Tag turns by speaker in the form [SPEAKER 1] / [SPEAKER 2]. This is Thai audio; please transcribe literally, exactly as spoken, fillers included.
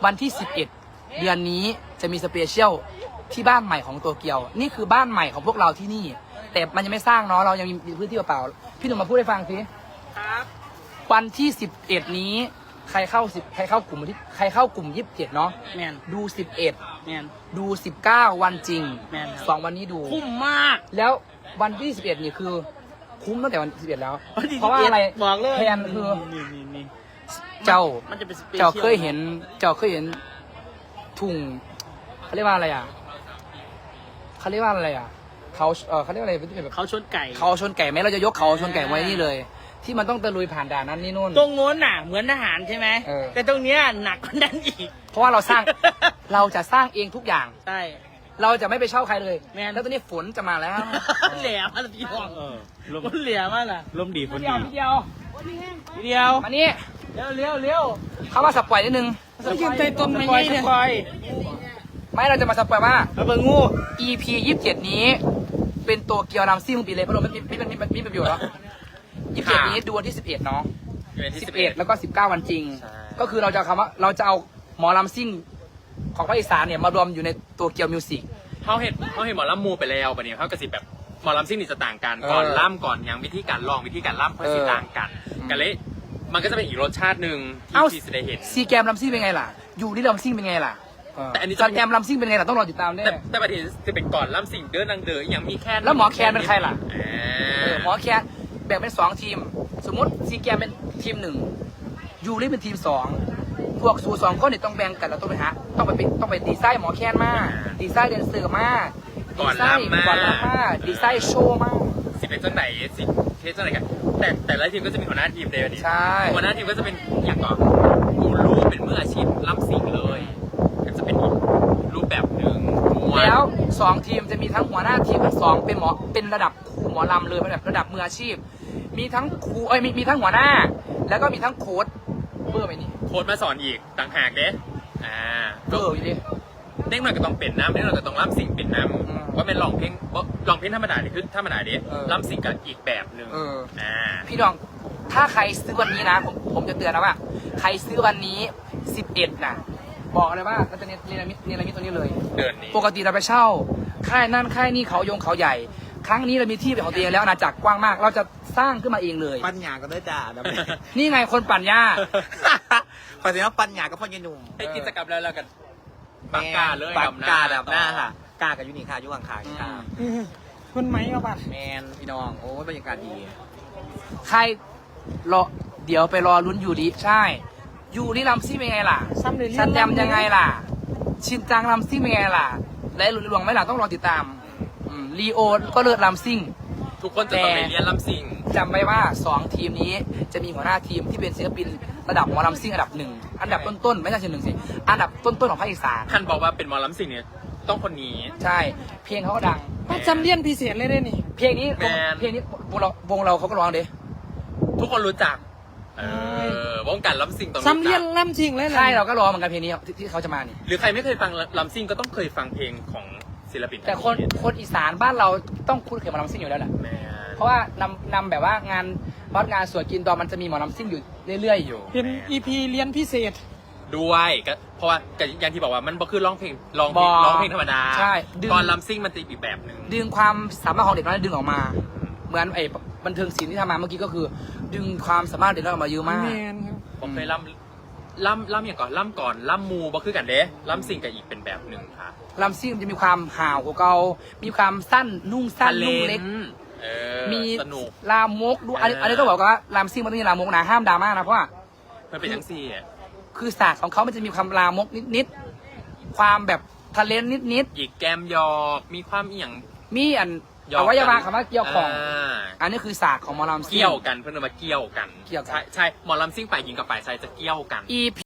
[SPEAKER 1] วันที่สิบเอ็ดเดือนนี้จะมีสเปเชียลที่บ้านใหม่ของโตเกียวนี่คือบ้านใหม่ของพวกเราที่นี่แต่มันยังไม่สร้างเนาะเรายังมีพื้นที่เปล่าๆพี่หนุ่มมาพูดให้ฟังสิ
[SPEAKER 2] ครับ
[SPEAKER 1] วันที่สิบเอ็ดนี้ใครเข้าสิบใครเข้ากลุ่มที่ใครเข้ากลุ่มยี่สิบเจ็ดเนาะ
[SPEAKER 2] แมน
[SPEAKER 1] ดูสิบเอ็ด
[SPEAKER 2] แมน
[SPEAKER 1] ดูสิบเก้าวันจริง
[SPEAKER 2] แมน
[SPEAKER 1] สองวันนี้ดู
[SPEAKER 2] คุ้มมาก
[SPEAKER 1] แล้ววันที่สิบเอ็ดนี่คือคุ้มตั้งแต่วันสิบเอ็ดแล้ว
[SPEAKER 2] เพ
[SPEAKER 1] เพราะว่าอะไร
[SPEAKER 2] บอกเลย
[SPEAKER 1] แทนคือ
[SPEAKER 2] นี่นี่นี่
[SPEAKER 1] เจ้า
[SPEAKER 2] มันจะเป็นสเปเชียล
[SPEAKER 1] เจ้าเคยเห็นเจ้าเคยเห็นทุ่งเขาเรียกว่าอะไรอ่ะเขาเรียกว่าอะไรอ่ะเขาเออเขาเรียกอะไรเป็นแบบ
[SPEAKER 2] เขาชนไก่
[SPEAKER 1] เขาชนไก่ไหมเราจะยกเขาชนไก่ไว้นี่เลย ที่มันต้องตะลุยผ่านด่านนั้นนี่นู่น
[SPEAKER 2] ตรงโน้นน่ะเหมือนทหารใช่ไหม
[SPEAKER 1] เออ
[SPEAKER 2] แต่ตรงเนี้ยหนักกว่านั้นอีก
[SPEAKER 1] เพราะว่าเราสร้าง เราจะสร้างเองทุกอย่าง
[SPEAKER 2] ใช่
[SPEAKER 1] เราจะไม่ไปเช่าใครเลย
[SPEAKER 2] แม่น
[SPEAKER 1] แล้วตอนนี้ฝนจะมาแล้ว
[SPEAKER 2] เหลี่ยมากพี่น้อง
[SPEAKER 3] เออลม
[SPEAKER 2] มันเหลี่ยมากล่ะ
[SPEAKER 3] ลมดีฝน
[SPEAKER 1] เดี
[SPEAKER 3] ดี
[SPEAKER 1] ยวเดียว
[SPEAKER 2] เดียว
[SPEAKER 1] มานี่
[SPEAKER 2] เร็วเร็วเร็ว
[SPEAKER 1] เขามาสปอยนิดนึง
[SPEAKER 2] สกินใจตนไม่ใช่เนี่ย
[SPEAKER 1] ไม่เราจะมาสปอยว่า
[SPEAKER 2] เอาเบิ่งงู
[SPEAKER 1] อี พี ยี่สิบเจ็ดนี้ เป็นตัวเกียวรำซิ่งปีเลยเพราะเราไม่ไม่ไม่ไม่ไม่ประโยชน์แล้วยี่สิบเจ็ดนี้ดูวันที่สิบเอ็ดเนาะสิบเอ็ดแล้วก็สิบเก้าวันจริง ก็คือเราจะเอาคำว่าเราจะเอาหมอลำซิ่งของภาคอีสานเนี่ยมารวมอยู่ในตัวเกียวมิวสิก
[SPEAKER 3] เขาเห็นเขาเห็นหมอลำมูไปแล้วปะเนี่ยเขากระสิบแบบหมอลำซิ่งนี่จะต่างกัน
[SPEAKER 1] เออ
[SPEAKER 3] ก่อนล่ำก่อนยังวิธีการลองวิธีการล่ำเพื่อสิ
[SPEAKER 1] เออ
[SPEAKER 3] ต่างกัน
[SPEAKER 1] อืม
[SPEAKER 3] กันเลยมันก็จะเป็นอีกรสชาติหนึ่ง
[SPEAKER 1] เอ้า
[SPEAKER 3] ที่ที่จะได้เห็น
[SPEAKER 1] ซีแกมลำซิ่งเป็นไงล่ะอยู่ที่ลำซิ่งเป็นไงล่ะ
[SPEAKER 3] แต่อันนี้
[SPEAKER 1] ส
[SPEAKER 3] จะ
[SPEAKER 1] แกมลำซิ่งเป็นไงล่ะต้องรอติดตามแน่
[SPEAKER 3] แต่แต่ประเด็นจะเป็นก่อนล่ำสิ่งเดินนางเดอยังมีแค่
[SPEAKER 1] แล้วหมอแคนเป็นใครล่ะ
[SPEAKER 3] อ่
[SPEAKER 1] เออา หมอแคนแบ่งเป็นสองทีม สมมติซีแกมเป็นทีมหนึ่งยูริเป็นทีมสองพวกสูสองคนเนี่ยต้องแบ่งกันแล้วต้องไปหาต้องไปเป็นต้องไปดีไซน์หมอแคนมาดีไซน์เดนเซอร์มา
[SPEAKER 3] ก่อน
[SPEAKER 1] ดีไซน์
[SPEAKER 3] ล่ำมา
[SPEAKER 1] ก่อนล่ำมาดีไซน์โชว์มา
[SPEAKER 3] สิเป็นเจ้าไหนสิเคสเจ้าไหนกันแต่แต่ละทีมก็จะมีหัวหน้าทีมเดียวนี่
[SPEAKER 1] ใช่
[SPEAKER 3] หัวหน้าทีมก็จะเป็นอย่างก่อนกูรู้เป็นมืออาชีพล่ำสิ่งเลยก็จะเป็นอีกรูปแบบหนึ่งม้น
[SPEAKER 1] แล้วสองทีมจะมีทั้งหัวหน้าทีมทั้งสองเป็นหมอเป็นระดับครูหมอลำเลยเป็นแบบระดับมืออาชีพ มีทั้งครูเอ้ยมีมีทั้งหัวหน้า แล้วก็มีทั้งโค้ชเบอร์ไหมนี่
[SPEAKER 3] โค้ดมาสอนอีกต่างหากเด้อ่า
[SPEAKER 1] เบอร์อยู่ดิ
[SPEAKER 3] เด็กหน่อยก็ต้องเป็นน้ำเด็กหน่อยก็ต้องล่ำสิ่งเป็นน้
[SPEAKER 1] อืม
[SPEAKER 3] ำว่าเป็นลองเพลงว่าลองเพลงธรรมดาเนี่ยคือธรรมดาเด้
[SPEAKER 1] เออ
[SPEAKER 3] ล่ำสิ่งกับอีกแบบหนึ่ง
[SPEAKER 1] เออ
[SPEAKER 3] อ่า
[SPEAKER 1] พี่น้องถ้าใครซื้อวันนี้นะผมผมจะเตือนนะว่า ใครซื้อวันนี้สิบเอ็ดนะบอกเลยว่าเราจะเนรมิตเนรมิตตัวนี้เลย
[SPEAKER 3] เดินนี้
[SPEAKER 1] ปกติเราไปเช่าค่ายนั่นค่ายนี่เขายงเขาใหญ่ ครั้งนี้เรามีที่เป็นของตัวเองแล้วอาณาจักรกว้างมาก เราจะสร้างขึ้นมาเองเลย
[SPEAKER 4] ปัญญาก็ได้ด่าดับ
[SPEAKER 1] นี่ไงคนปั่นหญ้า
[SPEAKER 4] ขอเสียงว่าปัญญาก็พ่อเยนุ่ม
[SPEAKER 3] ให้กิจกรรมแล้วแล้วกันปากกาเลย
[SPEAKER 4] ปากกา
[SPEAKER 3] ดำ
[SPEAKER 4] ดับหน้าค่ะ กากับยูนิคายุวังคาค่ะ
[SPEAKER 2] คุณไหมมาบัด
[SPEAKER 4] แมนพี่น้อง โอ้ยบรรยากาศดี
[SPEAKER 1] ใครรอเดี๋ยวไปรอลุ้นยูริใช่ยูริลำซิ่งเป็นไงล่ะ
[SPEAKER 2] ซ้ำเลย
[SPEAKER 1] ซันแดมยังไงล่ะ ชินจังลำซิ่งเป็นไงล่ะ และหลุนหลวงไหม่ล่ะต้องรอติดตามอืมลีโอก็เลิศลำซิ่ง
[SPEAKER 3] ทุกคนจะต้องไปเรียนล่ำสิ่ง
[SPEAKER 1] จำไว้ว่าสองทีมนี้จะมีหัวหน้าทีมที่เป็นศิลปินระดับหมอลำซิ่งอันดับหนึ่งอันดับต้นๆไม่ใช่เช่นหนึ่งสิอันดับต้นๆของภาคอีสาน
[SPEAKER 3] ท่านบอกว่าเป็นหมอล่ำสิ่งเนี่ยต้องคนนี้
[SPEAKER 1] ใช่ เพลงเขาก็ดัง
[SPEAKER 2] มาจำเลียนพิเศษเลยได้นี่
[SPEAKER 1] เพลงนี้
[SPEAKER 3] แมน
[SPEAKER 1] เพลงนี้วงเราวงเราเขาก็ร้องเด้
[SPEAKER 3] ทุกคนรู้จัก เออวงการล่ำสิ่งต้องรู้
[SPEAKER 2] ซ้ำเลีย
[SPEAKER 3] จั
[SPEAKER 2] น
[SPEAKER 3] ก
[SPEAKER 2] ล่ำจริงเลย
[SPEAKER 1] ใช่เราก็ร้องเหมือนกันเพลงนี้ที่ที่เขาจะมานี่
[SPEAKER 3] หรือใครไม่เคยฟังล่ำสิ่งก็ต้องเคยฟังเพลงของศิลปิน
[SPEAKER 1] แต่คนคนอีสานบ้านเราต้องคุ้นเคยหมอลำซิ่งอยู่แล้วแหละ
[SPEAKER 3] แม่
[SPEAKER 1] เพราะว่านำนำแบบว่างานวัดงานสวนกินดอนมันจะมีหมอลำซิ่งอยู่เรื่อยๆอยู่
[SPEAKER 2] เป็นอีพีเรียนพิเศษ
[SPEAKER 3] ด้วยก็เพราะว่าก็อย่างที่บอกว่ามันบ่คือร้องเพลงร้องเพลง
[SPEAKER 1] บ่
[SPEAKER 3] ร้องเพลงธรรมดา
[SPEAKER 1] ใช่ดึง
[SPEAKER 3] ตอนลำซิ่งมันจะอีกแบบหนึ่ง
[SPEAKER 1] ดึงความสามารถของเด็กน้อยดึงออกมา เหมือนไอ้บันเทิงศิลป์ที่ทำมาเมื่อกี้ก็คือ ดึงความสามารถเด็กน้อยออกมาเยอะมาก
[SPEAKER 2] แมนครับ
[SPEAKER 3] ผมเคยล่ำล่ำล่ำอย่างก่อนล่ำก่อนล่ำมูบ่คือกันเด้ล่ำซิ่งกับอีกเป็นแบบหนึ่งค่ะ
[SPEAKER 1] ลำซิ่งมันจะมีความห่าวกว่าเก่ามีความสั้นนุ่งสั้นนุ่งเล็ก
[SPEAKER 3] เออ
[SPEAKER 1] มี
[SPEAKER 3] สนุก
[SPEAKER 1] ลามกดูอันนี้
[SPEAKER 3] เอออั
[SPEAKER 1] อันนี้ต้องบอกว่าลำซิ่งมันต้องมีลามกนะห้ามดราม่านะเพราะว่า
[SPEAKER 3] มันเป็นทั้งสี่อะ
[SPEAKER 1] คือศาสตร์ของเขามันจะมีความลามกนิดๆความแบบทะเลนนิด
[SPEAKER 3] อีกแกมหยอกมีความเอียง
[SPEAKER 1] ๆมีอัน
[SPEAKER 3] หยอก
[SPEAKER 1] อวัยวะคำว่าเกี่ยวของ
[SPEAKER 3] า
[SPEAKER 1] อันนี้คือศาสตร์ของหมอลำซิ่ง
[SPEAKER 3] เกี่ยวกันเพื่อนเอามาเกี่ยวกัน
[SPEAKER 1] เกี่ยวกัน
[SPEAKER 3] ใช่ใช่หมอลำซิ่งฝ่ายหญิงกับฝ่ายชายจะเกี่ยวกัน
[SPEAKER 1] อี